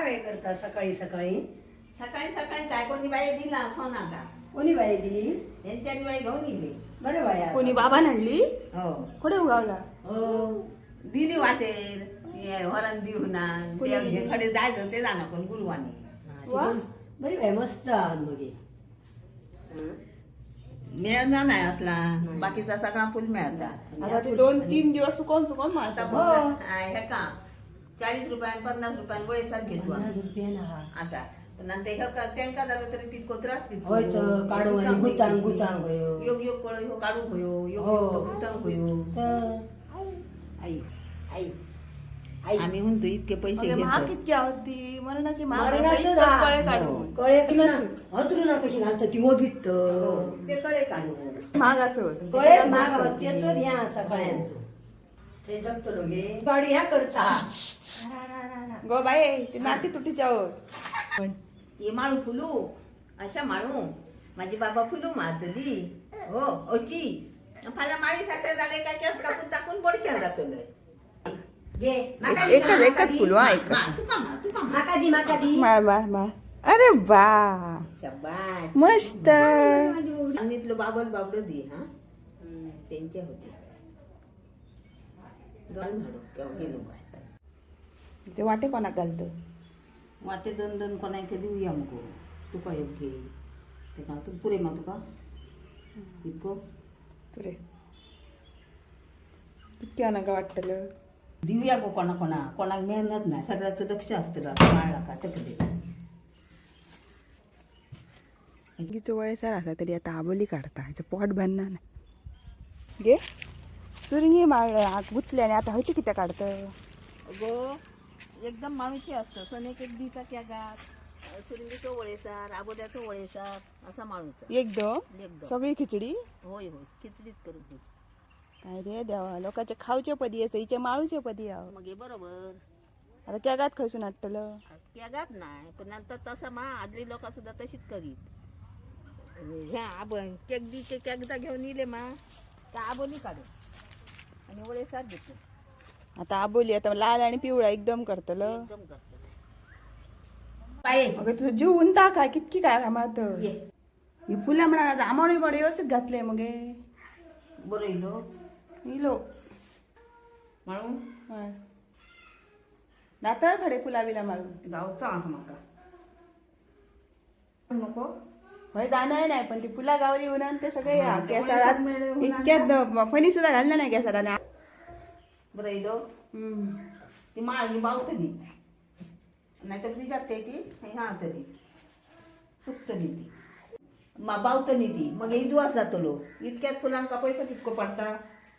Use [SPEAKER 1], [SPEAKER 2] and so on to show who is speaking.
[SPEAKER 1] काय करता सकाळी सकाळी?
[SPEAKER 2] सकाळी सकाळी काय कोणी बाई दिला सोनाला.
[SPEAKER 1] कोणी बाई दिली?
[SPEAKER 2] यांच्यानी बाई घेऊन येली.
[SPEAKER 1] बरं बाया.
[SPEAKER 3] कोणी बाबा आणली
[SPEAKER 2] हो
[SPEAKER 3] कुठे उगावला
[SPEAKER 2] हो दिली वाटेल वरण देऊन
[SPEAKER 1] कोणी दिली?
[SPEAKER 2] कडे जायचं ते जाणं पण गुरुवानी
[SPEAKER 3] वा.
[SPEAKER 1] बरी बाई मस्त आहात मग.
[SPEAKER 2] मिळणार नाही असला बाकीचा सगळा फुल मिळतात.
[SPEAKER 3] आता ते 2-3 दिवस सुकवून सुकवून
[SPEAKER 2] आता
[SPEAKER 3] मारता
[SPEAKER 2] बघ, हे का 40 रुपयां 50 रुपयां वयसार घेतो
[SPEAKER 1] 50 रुपयानं हा.
[SPEAKER 2] असा पण नंतर हे का त्यांका झालं तरी तितको त्रास घेतो.
[SPEAKER 1] होय तर काढू आणि गुतांग गुतांग होयो.
[SPEAKER 2] योग योग कळ ह्यो काढू होयो योग
[SPEAKER 1] हो.
[SPEAKER 2] योग गुतांग होयो.
[SPEAKER 1] तर आई आई आई
[SPEAKER 2] आम्ही म्हणतो इतके पैसे
[SPEAKER 3] महाग
[SPEAKER 2] घेतो.
[SPEAKER 3] किती होती मरणाची महाग
[SPEAKER 1] मरणाचं
[SPEAKER 3] होती,
[SPEAKER 1] दा-
[SPEAKER 3] कळे काढून
[SPEAKER 1] कळे की ना हतरू ना कशी घालतं ती ओगीत
[SPEAKER 2] हो, ते कळे काढू.
[SPEAKER 3] महाग असं होतं.
[SPEAKER 1] कळे माग तेच ह्या सगळ्यांचं ते जगतो लोगे गाडी ह्या करता.
[SPEAKER 3] गो बाई ते नाती तुटीच्या पण
[SPEAKER 2] ये माळू फुलू अशा माळू माझी बाबा फुलू मारतली हो ओची फाल्या माळी साखर झाले का केस कापून टाकून बोडक्यात जातलं.
[SPEAKER 1] घे माका दी,
[SPEAKER 3] एकच
[SPEAKER 1] माका दी.
[SPEAKER 3] फुल हा एकच
[SPEAKER 2] तुका मार
[SPEAKER 1] माका दी माका दी.
[SPEAKER 3] माळ माळ माळ अरे वा
[SPEAKER 2] शब्बास
[SPEAKER 3] मस्त
[SPEAKER 2] आणीतलं बाबल बाबड दे हा त्यांचे होते गळून हाडू केव्हा गेलो काय
[SPEAKER 3] ते वाटे कोणाक घालतं
[SPEAKER 2] वाटे दोन दोन कोणाक देऊया मग तुका योग्य ते का तू पुरे मा तुका इतको
[SPEAKER 3] तुरे कितक्या नका वाटतलं
[SPEAKER 2] देऊया गो कोणाक मेहनत नाही सगळ्याचं लक्ष असतं माळला का तकडे
[SPEAKER 3] तिचं वयसार असला तरी आता आबोली काढता ह्याचं पोट भरणार नाही घे चुरिंगी माळ गुतल्याने आता होती किती काढतं
[SPEAKER 2] गो एकदम माणूची असतं सनेक एक दिचा क्या गात सुरिंगीचं वळेसार आबोल्याचं वळेसार असा माणूचा
[SPEAKER 3] एकदम
[SPEAKER 2] एकदम
[SPEAKER 3] सगळी खिचडी
[SPEAKER 2] होय होय खिचडीत करून दे.
[SPEAKER 3] काय रे देवा लोकांच्या खावच्या पदी असं हिच्या माळूच्या पदी आहो
[SPEAKER 2] मग हे बरोबर
[SPEAKER 3] आता त्या गात खसून वाटतलं
[SPEAKER 2] क्या गात नाही पण नंतर तसं मा आदली लोक सुद्धा तशीच करीत ह्या आपण केक दी केक एकदा घेऊन येले मा त्या आबोली काढू आणि वळेसार घेतो
[SPEAKER 3] आता आबोली आता लाल आणि पिवळा एकदम करतलं
[SPEAKER 2] एकदम करतो पाय
[SPEAKER 3] अगं तुझं जीव उंता काय कितकी काय कामात
[SPEAKER 2] ये
[SPEAKER 3] ही फुलं म्हणा जांभळी बडे व्यवस्थित घातले मग
[SPEAKER 2] बरं येलो
[SPEAKER 3] इलो
[SPEAKER 2] म्हणून
[SPEAKER 3] नाता खडे फुला बिला मारून
[SPEAKER 2] जाऊचा म्हाका नको
[SPEAKER 3] होय जाणार नाही पण ती फुला गावली उन्हान ते सगळे
[SPEAKER 2] हा,
[SPEAKER 3] केसात
[SPEAKER 2] त्यामुळे
[SPEAKER 3] इतक्यात फणी सुद्धा घालणार नाही केसात आणि
[SPEAKER 2] बरं येलो ती माळ ही बावतली नाही तर तुझी जाते ती हा तरी सुकतली ती बावतली ती मग हे दिवस जातलो इतक्यात फुलांका पैसा कितको पडता